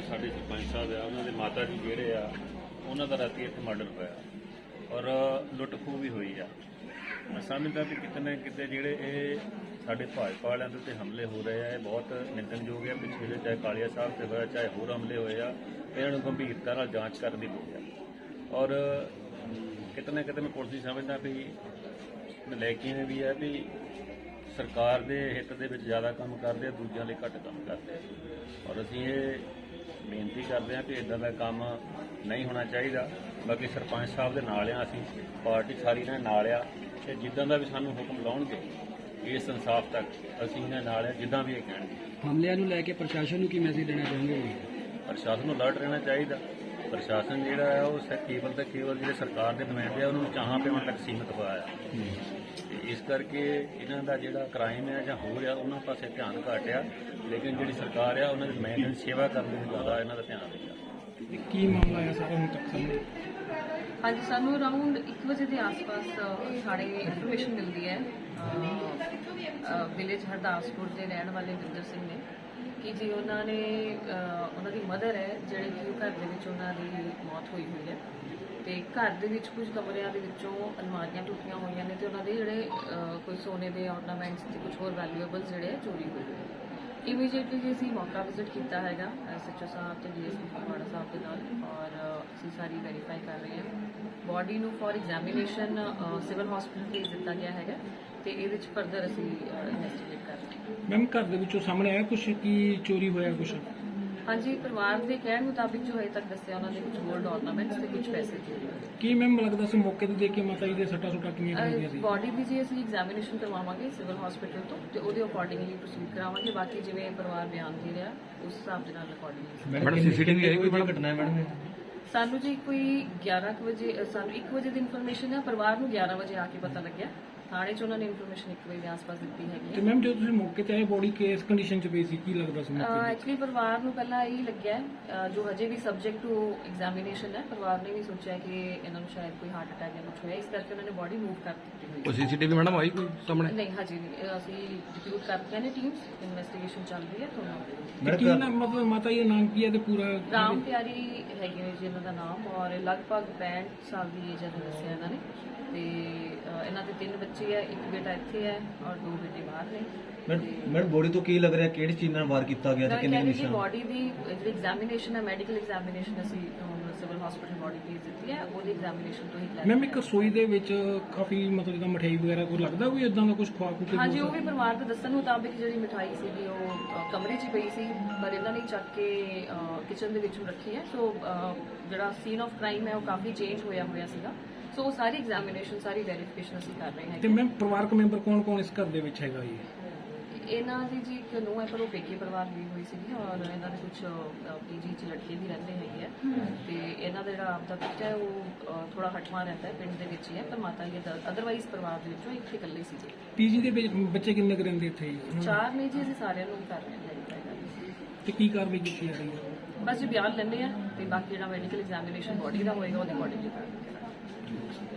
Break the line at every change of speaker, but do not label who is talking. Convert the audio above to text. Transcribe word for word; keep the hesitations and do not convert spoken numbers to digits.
ਸਾਡੇ ਸਰਪੰਚ ਸਾਹਿਬ ਆ ਉਹਨਾਂ ਦੇ ਮਾਤਾ ਜੀ ਜਿਹੜੇ ਆ ਉਹਨਾਂ ਦਾ ਰਾਤੀ ਇੱਥੇ ਮਰਡਰ ਹੋਇਆ ਔਰ ਲੁੱਟ ਖੋਹ ਵੀ ਹੋਈ ਆ। ਮੈਂ ਸਮਝਦਾ ਵੀ ਕਿਤੇ ਨਾ ਕਿਤੇ ਜਿਹੜੇ ਇਹ ਸਾਡੇ ਭਾਜਪਾ ਵਾਲਿਆਂ ਦੇ ਉੱਤੇ ਹਮਲੇ ਹੋ ਰਹੇ ਆ ਇਹ ਬਹੁਤ ਨਿੰਦਣਯੋਗ ਹੈ। ਪਿਛਲੇ ਜਿਹੇ ਚਾਹੇ ਕਾਲੀਆ ਸਾਹਿਬ ਤੇ ਹੋਇਆ ਚਾਹੇ ਹੋਰ ਹਮਲੇ ਹੋਏ ਆ, ਇਹਨਾਂ ਨੂੰ ਗੰਭੀਰਤਾ ਨਾਲ ਜਾਂਚ ਕਰਨ ਦੀ ਲੋੜ ਆ। ਔਰ ਕਿਤੇ ਨਾ ਕਿਤੇ ਮੈਂ ਪੁਲਿਸ ਸਮਝਦਾ ਵੀ ਨਲਾਇਕੀਆਂ ਵੀ ਹੈ ਵੀ ਸਰਕਾਰ ਦੇ ਹਿੱਤ ਦੇ ਵਿੱਚ ਜ਼ਿਆਦਾ ਕੰਮ ਕਰਦੇ ਆ, ਦੂਜਿਆਂ ਲਈ ਘੱਟ ਕੰਮ ਕਰਦੇ ਆ। ਔਰ ਅਸੀਂ ਇਹ ਬੇਨਤੀ ਕਰਦੇ ਹਾਂ ਕਿ ਇੱਦਾਂ ਦਾ ਕੰਮ ਨਹੀਂ ਹੋਣਾ ਚਾਹੀਦਾ। ਬਾਕੀ ਸਰਪੰਚ ਸਾਹਿਬ ਦੇ ਨਾਲ ਆ, ਅਸੀਂ ਪਾਰਟੀ ਸਾਰੀ ਨਾਲ ਨਾਲ ਆ ਤੇ ਜਿੱਦਾਂ ਦਾ ਵੀ ਸਾਨੂੰ ਹੁਕਮ ਲਾਉਣਗੇ ਇਸ ਇਨਸਾਫ ਤੱਕ ਅਸੀਂ ਇਹਨਾਂ ਨਾਲ ਆ, ਜਿੱਦਾਂ ਵੀ ਇਹ ਕਹਿਣਗੇ।
ਹਮਲਿਆਂ ਨੂੰ ਲੈ ਕੇ ਪ੍ਰਸ਼ਾਸਨ ਨੂੰ ਕੀ ਮੈਸੇਜ ਦੇਣਾ ਚਾਹੁੰਦੇ ਹੋ?
ਪ੍ਰਸ਼ਾਸਨ ਨੂੰ ਅਲਰਟ ਰਹਿਣਾ ਚਾਹੀਦਾ। ਪ੍ਰਸ਼ਾਸਨ ਜਿਹੜਾ ਹੈ ਉਹ ਕੇਵਲ ਤੇ ਕੇਵਲ ਜਿਹੜੇ ਸਰਕਾਰ ਦੇ ਨੁਮਾਇੰਦੇ ਆ ਉਹਨਾਂ ਨੂੰ ਚਾਹਾਂ ਪਿਆਉਣ ਤੱਕ ਸੀਮਿਤ ਹੋਇਆ ਹੈ। ਤੇ ਇਸ ਕਰਕੇ ਇਹਨਾਂ ਦਾ ਜਿਹੜਾ ਕ੍ਰਾਈਮ ਹੈ ਜਾਂ ਹੋਰ ਆ ਉਹਨਾਂ ਪਾਸੇ ਧਿਆਨ ਘੱਟ ਆ, ਲੇਕਿਨ ਜਿਹੜੀ ਸਰਕਾਰ ਆ ਉਹਨਾਂ ਦੇ ਨੁਮਾਇੰਦਿਆਂ ਦੀ ਸੇਵਾ ਕਰਨ ਦੇ ਜ਼ਿਆਦਾ ਇਹਨਾਂ ਦਾ ਧਿਆਨ ਹੈ।
ਕੀ ਮਾਮਲਾ ਹੈ ਸਾਰਾ ਹੁਣ ਤੱਕ ਸਾਹਮਣੇ?
ਹਾਂਜੀ, ਸਾਨੂੰ ਅਰਾਊਂਡ ਇੱਕ ਵਜੇ ਦੇ ਆਸ-ਪਾਸ ਸਾਡੇ ਇਨਫੋਰਮੇਸ਼ਨ ਮਿਲਦੀ ਹੈ ਵਿਲੇਜ ਹਰਦਾਸਪੁਰ ਦੇ ਰਹਿਣ ਵਾਲੇ ਵਿੰਦਰ ਸਿੰਘ ਨੇ ਕਿ ਜੀ ਉਹਨਾਂ ਨੇ ਉਹਨਾਂ ਦੀ ਮਦਰ ਹੈ ਜਿਹੜੇ ਕਿ ਘਰ ਦੇ ਵਿੱਚ ਉਹਨਾਂ ਦੀ ਮੌਤ ਹੋਈ ਹੋਈ ਹੈ ਤੇ ਘਰ ਦੇ ਵਿੱਚ ਕੁਝ ਕਮਰਿਆਂ ਦੇ ਵਿੱਚੋਂ ਅਲਮਾਰੀਆਂ ਟੁੱਟੀਆਂ ਹੋਈਆਂ ਨੇ ਤੇ ਉਹਨਾਂ ਦੇ ਜਿਹੜੇ ਕੋਈ ਸੋਨੇ ਦੇ ਆਰਨਾਮੈਂਟਸ ਤੇ ਕੁਝ ਹੋਰ ਵੈਲਿਊਏਬਲ ਜਿਹੜੇ ਚੋਰੀ ਹੋਏ ਹੋਏ। ਇਮੀਡੀਏਟਲੀ ਜੀ ਅਸੀਂ ਮੌਕਾ ਵਿਜ਼ਿਟ ਕੀਤਾ ਹੈਗਾ ਐਸਐਚਓ ਸਾਹਿਬ ਤੇ ਡੀਐਸਪੀ ਫਗਵਾੜਾ ਸਾਹਿਬ ਦੇ ਨਾਲ ਔਰ ਅਸੀਂ ਸਾਰੀ ਵੈਰੀਫਾਈ ਕਰ ਰਹੇ ਹਾਂ। ਬੋਡੀ ਨੂੰ ਫॉर ਐਗਜ਼ਾਮੀਨੇਸ਼ਨ ਸਿਵਲ ਹਸਪੀਟਲ ਭੇਜ ਦਿੱਤਾ ਗਿਆ ਹੈਗਾ ਤੇ ਇਹਦੇ ਵਿੱਚ ਫਰਦਰ ਅਸੀਂ ਇਨਵੈਸਟੀਗੇਟ ਕਰ ਰਹੇ ਹਾਂ।
ਮੈਮ ਘਰ ਦੇ ਵਿੱਚੋਂ ਸਾਹਮਣੇ ਆਇਆ ਕੁਝ ਕੀ ਚੋਰੀ ਹੋਇਆ ਕੁਝ?
ਹਾਂਜੀ, ਪਰਿਵਾਰ ਦੇ ਕਹਿਣ ਮੁਤਾਬਿਕ ਜੋ ਹਜੇ ਤੱਕ ਦੱਸਿਆ ਉਹਨਾਂ ਦੇ ਕੁਝ ਗੋਲਡ ਆਰਨਾਮੈਂਟਸ ਤੇ ਕੁਝ ਪੈਸੇ ਚੋਰੀ ਹੋਏ।
ਕੀ ਮੈਮ ਲੱਗਦਾ ਸੀ ਮੌਕੇ ਤੇ ਦੇਖ ਕੇ ਮਾਤਾ ਜੀ ਦੇ ਸੱਟਾਂ ਸੁੱਟਾਂ ਕਿੰਨੀਆਂ ਲੱਗੀਆਂ ਸੀ?
ਬੋਡੀ ਵੀ ਜੀ ਅਸੀਂ ਐਗਜ਼ਾਮੀਨੇਸ਼ਨ ਕਰਵਾਵਾਂਗੇ ਸਿਵਲ ਹਸਪੀਟਲ ਤੋਂ ਤੇ ਉਹਦੇ ਅਕੋਰਡਿੰਗਲੀ ਪ੍ਰੋਸੀਡ ਕਰਾਵਾਂਗੇ। ਬਾਕੀ ਜਿਵੇਂ ਪਰਿਵਾਰ ਬਿਆਨ ਦੇ ਰਿਹਾ ਉਸ ਹਿਸਾਬ ਦੇ ਨਾਲ ਅਕੋਰਡਿੰਗਲੀ।
ਮੈਡਮ ਸੀਸੀਟੀਵੀ ਆਈ ਕੋਈ ਘਟਨਾ ਹੈ ਮੈਡਮ?
ਸਾਨੂੰ ਜੀ ਕੋਈ ਗਿਆਰਾਂ ਕੁ ਵਜੇ ਸਾਨੂੰ ਇੱਕ ਵਜੇ ਦੀ ਇਨਫੋਰਮੇਸ਼ਨ ਹੈ, ਪਰਿਵਾਰ ਨੂੰ ਗਿਆਰਾਂ ਵਜੇ ਆ ਕੇ ਪਤਾ ਲੱਗਿਆ। ਥਾਣੇ 'ਚ ਉਹਨਾਂ ਨੇ ਇਨਫੋਰਮੇਸ਼ਨ ਇੱਕ ਵਜੇ ਦੇ ਆਸ-ਪਾਸ ਦਿੱਤੀ ਹੈਗੀ
ਤੇ ਮੈਮ ਜਦੋਂ ਤੁਸੀਂ ਮੌਕੇ ਤੇ ਆਏ ਬੋਡੀ ਕਿਸ ਕੰਡੀਸ਼ਨ 'ਚ ਪਈ ਸੀ, ਕੀ ਲੱਗਦਾ ਸੀ?
ਐਕਚੁਅਲੀ ਪਰਿਵਾਰ ਨੂੰ ਪਹਿਲਾਂ ਇਹੀ ਲੱਗਿਆ ਹੈ, ਜੋ ਹਜੇ ਵੀ ਸਬਜੈਕਟ ਟੂ ਐਗਜ਼ਾਮੀਨੇਸ਼ਨ ਹੈ, ਪਰਿਵਾਰ ਨੇ ਵੀ ਸੋਚਿਆ ਕਿ ਇਹਨਾਂ ਨੂੰ ਸ਼ਾਇਦ ਕੋਈ ਹਾਰਟ ਅਟੈਕ ਜਾਂ ਕੁਝ ਹੋਇਆ, ਇਸ ਕਰਕੇ ਉਹਨਾਂ ਨੇ ਬੋਡੀ ਮੂਵ ਕਰ ਦਿੱਤੀ ਹੋਈ ਹੈ।
ਸੀਸੀਟੀਵੀ ਮੈਡਮ ਆਈ ਕੋਈ ਸਾਹਮਣੇ?
ਨਹੀਂ, ਹਜੇ ਨਹੀਂ। ਅਸੀਂ ਡਿਪਿਊਟ ਕਰਤੀਆਂ ਨੇ ਟੀਮਸ, ਇਨਵੈਸਟੀਗੇਸ਼ਨ ਚੱਲ ਰਹੀ ਹੈ।
ਤੁਹਾਨੂੰ ਕੀ ਨਾਮ ਮਤਲਬ ਮਾਤਾ ਜੀ ਦਾ ਨਾਮ ਕੀ ਹੈ ਤੇ ਪੂਰਾ?
ਰਾਮ ਪਿਆਰੀ ਹੈਗੇ ਨੇ ਜੀ ਇਹਨਾਂ ਦਾ ਨਾਮ ਔਰ ਲਗਭਗ ਪੈਂਹਠ ਸਾਲ ਦੀ ਏਜ ਹੈ ਦੱਸਿਆ ਇਹਨਾਂ ਨੇ ਤੇ ਇਹਨਾਂ ਦੇ ਤਿੰਨ ਬੱਚੇ ਹੈ, ਇੱਕ ਬੇਟਾ ਇੱਥੇ ਹੈ ਔਰ ਦੋ ਬੇਟੇ ਬਾਹਰ ਨੇ।
ਮੈਡਮ ਬੋਡੀ ਤੋਂ ਕੀ ਲੱਗ ਰਿਹਾ ਕਿਹੜੀ ਚੀਜ਼ ਨਾਲ ਵਾਰ ਕੀਤਾ ਗਿਆ ਤੇ ਕਿੰਨੇ ਨਿਸ਼ਾਨ?
ਬੋਡੀ ਦੀ ਜਿਹੜੀ ਐਗਜ਼ਾਮੀਨੇਸ਼ਨ ਹੈ, ਮੈਡੀਕਲ ਐਗਜ਼ਾਮੀਨੇਸ਼ਨ ਅਸੀਂ ਸਿਵਲ ਹਸਪੀਟਲ ਬੋਡੀ ਭੇਜ ਦਿੱਤੀ ਹੈ, ਉਹਦੀ ਐਗਜ਼ਾਮੀਨੇਸ਼ਨ ਤੋਂ ਹੀ ਕਲੀਅਰ।
ਮੈਮ ਇੱਕ ਰਸੋਈ ਦੇ ਵਿੱਚ ਕਾਫੀ ਮਤਲਬ ਜਿੱਦਾਂ ਮਠਿਆਈ ਵਗੈਰਾ ਕੋਈ ਲੱਗਦਾ ਕੋਈ ਇਦਾਂ ਦਾ ਕੁਝ ਖਵਾ ਖੂ ਕੇ?
ਹਾਂਜੀ, ਉਹ ਵੀ ਪਰਿਵਾਰ ਦੇ ਦੱਸਣ ਮੁਤਾਬਿਕ ਜਿਹੜੀ ਮਿਠਾਈ ਸੀਗੀ ਉਹ ਕਮਰੇ 'ਚ ਪਈ ਸੀ ਪਰ ਇਹਨਾਂ ਨੇ ਚੱਕ ਕੇ ਕਿਚਨ ਦੇ ਵਿੱਚ ਰੱਖੀ ਹੈ। ਸੋ ਜਿਹੜਾ ਸੀਨ ਆਫ ਕ੍ਰਾਈਮ ਹੈ ਉਹ ਕਾਫੀ ਚੇਂਜ ਹੋਇਆ ਹੋਇਆ ਸੀਗਾ। ਸੋ ਉਹ ਸਾਰੀ ਐਗਜ਼ਾਮੀਨੇਸ਼ਨ ਸਾਰੀ ਵੈਰੀਫਿਕੇਸ਼ਨ ਅਸੀਂ ਕਰ ਰਹੇ ਹਾਂ।
ਤੇ ਮੈਮ ਪਰਿਵਾਰਕ ਮੈਂਬਰ ਕੌਣ ਕੌਣ ਇਸ ਘਰ ਦੇ ਵਿੱਚ ਹੈਗਾ ਜੀ?
ਇਹਨਾਂ ਦੀ ਜੀ ਇੱਕ ਨੂੰਹ ਹੈ ਪਰ ਉਹ ਪੇਕੇ ਪਰਿਵਾਰ ਦੀ ਹੋਈ ਸੀਗੀ ਔਰ ਇਹਨਾਂ ਦੇ ਕੁਝ ਪੀਜੀ 'ਚ ਲੜਕੇ ਵੀ ਰਹਿੰਦੇ ਹੈਗੇ ਆ ਤੇ ਇਹਨਾਂ ਦਾ ਜਿਹੜਾ ਆਪਦਾ ਬੱਚਾ ਹੈ ਉਹ ਥੋੜਾ ਹਟਵਾ ਰਹਿੰਦਾ ਹੈ, ਪਿੰਡ ਦੇ ਵਿੱਚ ਹੀ ਹੈ ਪਰ ਮਾਤਾ ਜੀ ਅਦਰਵਾਈਜ਼ ਪਰਿਵਾਰ ਦੇ ਵਿੱਚੋਂ ਇੱਥੇ ਇਕੱਲੇ ਸੀਗੇ।
ਪੀਜੀ ਦੇ ਵਿੱਚ ਬੱਚੇ ਕਿੰਨੇ ਕੁ ਰਹਿੰਦੇ ਇੱਥੇ ਜੀ?
ਚਾਰ ਨੇ ਜੀ, ਅਸੀਂ ਸਾਰਿਆਂ ਨੂੰ ਕਰ ਰਹੇ ਹਾਂ।
ਤੇ ਕੀ ਕਾਰਵਾਈ ਕੀਤੀ ਜਾ ਰਹੀ ਹੈ?
ਬਸ ਜੀ ਬਿਆਨ ਲੈਂਦੇ ਆ ਤੇ ਬਾਕੀ ਜਿਹੜਾ ਮੈਡੀਕਲ ਐਗਜ਼ਾਮੀਨੇਸ਼ਨ ਬੋਡੀ ਦਾ ਹੋਏਗਾ ਉਹਦੇ ਅਕੋਰਡਿੰਗਲੀ ਕਰਾਂਗੇ।